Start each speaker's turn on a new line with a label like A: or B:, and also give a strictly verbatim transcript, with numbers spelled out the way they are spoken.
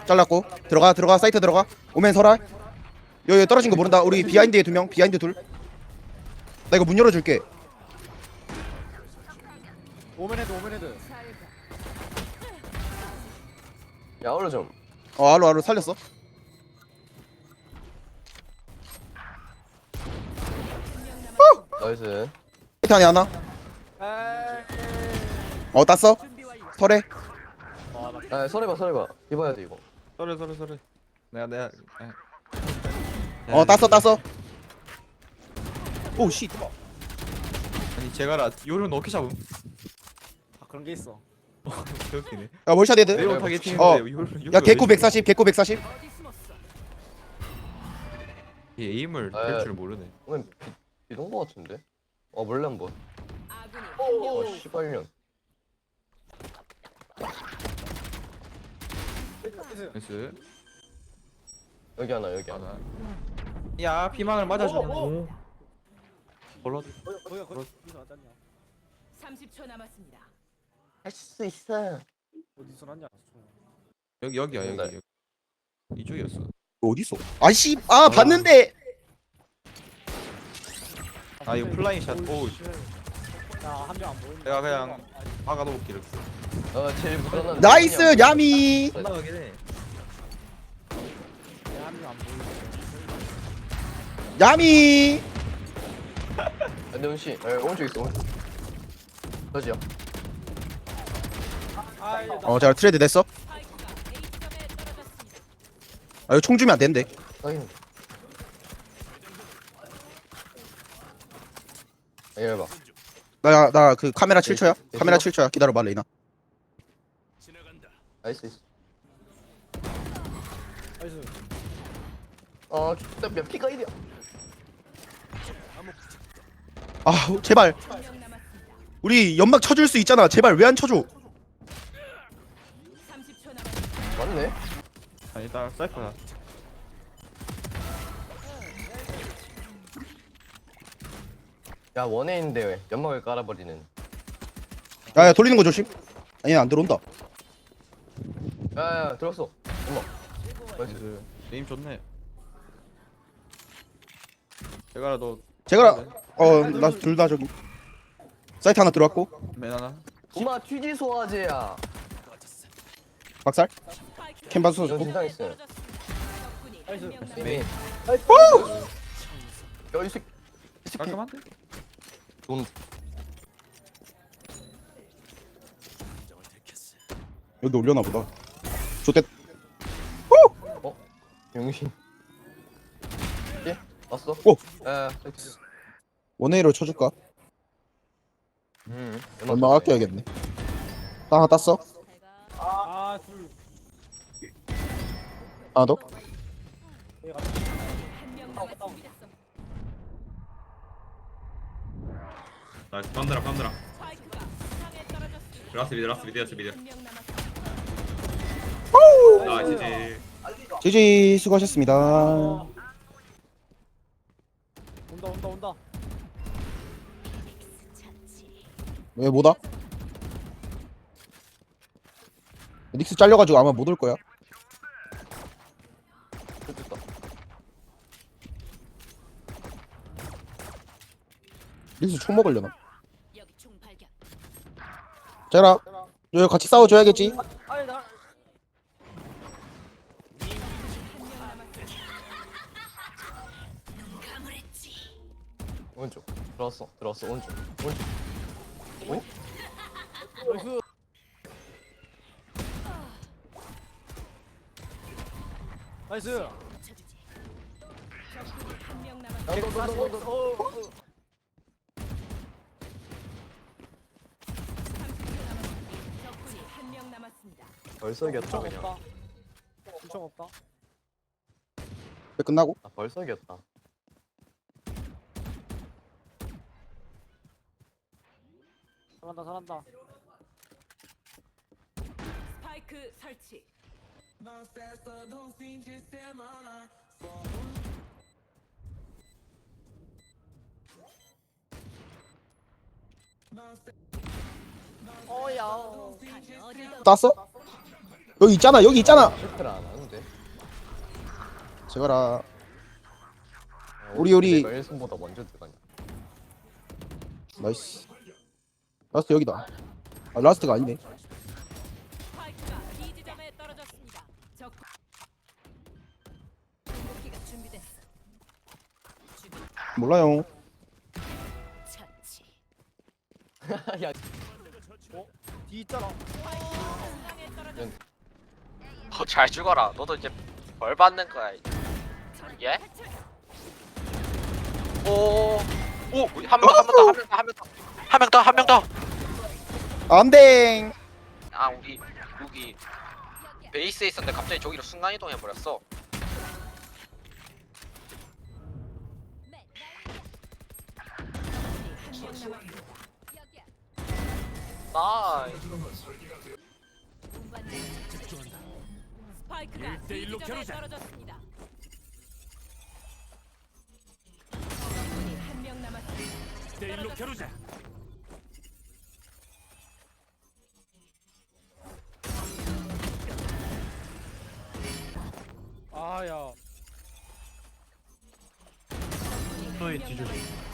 A: 잘랐고 들어가 들어가 사이트 들어가. 오멘 설아. 여기 여기 떨어진 거 모른다. 우리 비하인드에 두 명. 비하인드 둘. 나 이거 문 열어줄게.
B: 오멘 헤드 오멘 헤드.
C: 야 얼른 좀.
A: 어 알로 알로 살렸어.
C: 나이스.
A: 사이트 안에 하나. 어 땄어. 설해.
C: 아 설해봐 설해봐. 입어야 돼 이거.
B: 서래 서래 서래. 내가 내가.
A: 어 땄어 땄어. 오 씨.
B: 아니 제가라 요런 어떻게 잡음? 아 그런 게 있어. 개웃기네.
A: 야 월샷 헤드.
B: 매우 타겟팅인데
A: 어.
B: 요런.
A: 야 개코 백사십 개코 백사십.
B: 얘 에임을
C: 아,
B: 할 줄 모르네.
C: 오늘 비, 비동 거 같은데? 어 몰래 한번. 어 씨발년.
B: 나이스.
C: 여기 하나 여기 하나.
B: 하나. 야 피망을 맞아줘. 오. 벌러드.
D: 삼십 초 남았습니다.
C: 할 수 있어.
B: 어디서 났냐? 여기 여기야 여기.
C: 네.
B: 여기. 이쪽이었어.
A: 어디서? 아씨 아 봤는데.
B: 아 이거 플라잉 샷. 오. 내가 그냥 막아놓을게 이렇게.
C: 어 제일 무난한.
A: 나이스 야미.
B: 나가긴 해.
A: 야미.
C: 근데 은씨, 에 오른쪽 있어. 오른쪽. 저지요.
A: 어 자 트레이드 됐어. 아 이거 총 주면 안 되는데.
C: 확인. 이래봐.
A: 나 나 그 카메라 칠 초야. 카메라 칠 초야. 기다려봐 레이나.
C: 나이스. 어, 몇 피가 일이야.
A: 아 제발. 우리 연막 쳐줄 수 있잖아. 제발 왜 안 쳐줘?
D: 삼십 초 남았습니다.
C: 맞네.
B: 아 일단 사이퍼다.
C: 야 원에 있는데 왜 연막을 깔아버리는.
A: 야야 돌리는 거 조심. 아니 안 들어온다.
C: 야야 들었어. 엄마. 나이스.
B: 나이스. 에임 좋네. 제가 너
A: 제가 어나 둘 다 저기. 사이트 하나 들어왔고.
B: 맨 하나.
C: 엄마 튀지 소화제야.
A: 박살. 캔바스
C: 이건
A: 쏘고.
C: 진상 있어. 메인. 야이 새끼. 이 새끼.
B: 깔끔한데?
C: 돈.
A: 여기 올려나 보다. 좋댔.
C: 어? 용신. 예? 왔어?
A: 오.
C: 야, 섹스.
A: 원에이로 쳐줄까?
C: 음.
A: 얼마 아껴야겠네. 나 하나 땄어.
B: 아 둘.
A: 하나 더.
E: 나이스 빰드라 빰드라 라스트 미드 라스트 미드였어 미드 나이스
A: 지지 수고하셨습니다.
B: 온다 온다 온다.
A: 왜 뭐다? 닉스 잘려가지고 아마 못 올 거야.
C: 됐다.
A: 닉스 총 먹으려나?
D: 여기 총 발견.
A: 자라 여기 같이 싸워줘야겠지.
C: 오른쪽. 들어왔어. 들어왔어. 오른쪽. 오른쪽. 오?
B: 나이스.
D: 쳐주지. 적군이 한명 남았.
C: 너, 너, 너, 너, 너, 너.
D: 적군이 한명 남았습니다.
C: 벌써 이겼다 그냥.
B: 엄청 없다.
A: 왜 끝나고?
C: 아 벌써 이겼다.
B: 잘한다 잘한다.
D: 스파이크 설치.
A: 땄어? 여기 있잖아 여기 있잖아.
C: 슈트를 안 하네.
A: 제가라.
C: 어,
A: 우리, 우리.
C: 내가 일 승보다 먼저 들어가냐.
A: 나이스. 라스트 여기다. 아 라스트가 아니네.
D: 스파이크가 B 지점에 떨어졌습니다. 적 공격기가 준비됐어. 준비
A: 몰라요.
D: 처치.
C: 야,
B: 뒤 있잖아.
D: 중앙에 떨어졌.
F: 어, 잘 죽어라. 너도 이제 벌 받는 거야. 예? 오, 오, 한 명 더, 한 명 더, 한 명 더, 한 명 더, 한 명 더, 한 명 더.
A: 안돼.
F: 아, 우리 여기 베이스에 있었는데 갑자기 저기로 순간 이동해 버렸어. 나이스.
D: 스파이크가 B 지점에 떨어졌습니다. 적군이 한 명 남았습니다. 대일로 겨루자.
B: 아야.
D: 너의 뒤조.